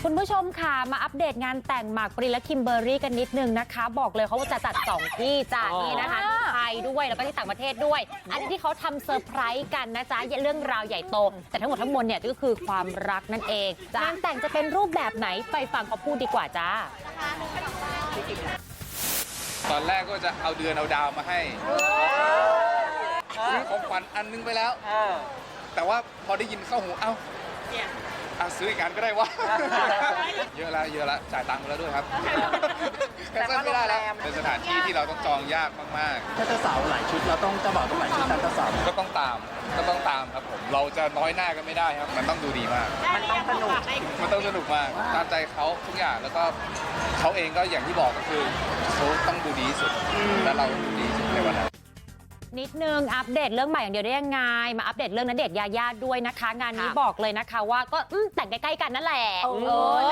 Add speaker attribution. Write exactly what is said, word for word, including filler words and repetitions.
Speaker 1: คุณผู้ชมค่ะมาอัปเดตงานแต่งหมากปรินและคิมเบอร์รี่กันนิดนึงนะคะบอกเลยเขาว่าจะจัดสองที่จ้านี่นะคะที่ไทยด้วยแล้วก็ที่ต่างประเทศด้วยอันนี้ที่เขาทำเซอร์ไพรส์กันนะจ๊ะเรื่องราวใหญ่โตแต่ทั้งหมดทั้งมวลเนี่ยก็คือความรักนั่นเองงานแต่งจะเป็นรูปแบบไหนไปฟังเขาพูดดีกว่าจ้า
Speaker 2: ตอนแรกก็จะเอาเดือนเอาดาวมาให้ซื้อของขวัญอันนึงไปแล้วแต่ว่าพอได้ยินเข้าหูเอ้าอ่ะซื้ออีกอันก็ได้วะ เยอะแล้วเยอะแล้วจ่ายตังค์ไปแล้วด้วยครับแคนเซิลไม่ได้แล้วเป็นสถานที่ที่เราต้องจองยากมาก
Speaker 3: ๆถ้าเจ้าสาวหลายชุดเราต้องเจ้าบ่าวต้องหลายชุดตามเจ้าสาว
Speaker 2: ก็ต้องตามก็ต้องตามครับผมเราจะน้อยหน้ากันไม่ได้ครับมันต้องดูดีมาก
Speaker 3: มันต้องสนุก
Speaker 2: มันต้องสนุกมากตามใจเขาทุกอย่างแล้วก็เขาเองก็อย่างที่บอกก็คือเขาต้องดูดีที่สุดและเราดูดีที่สุดในวันนั้น
Speaker 1: นิดนึงอัปเดตเรื่องใหม่อย่างเดียวได้ยังไงมาอัปเดตเรื่องณเดชน์ยายาด้วยนะคะงานนี้บอกเลยนะคะว่าก็แต่งใกล้ๆกันนั่นแหละเออ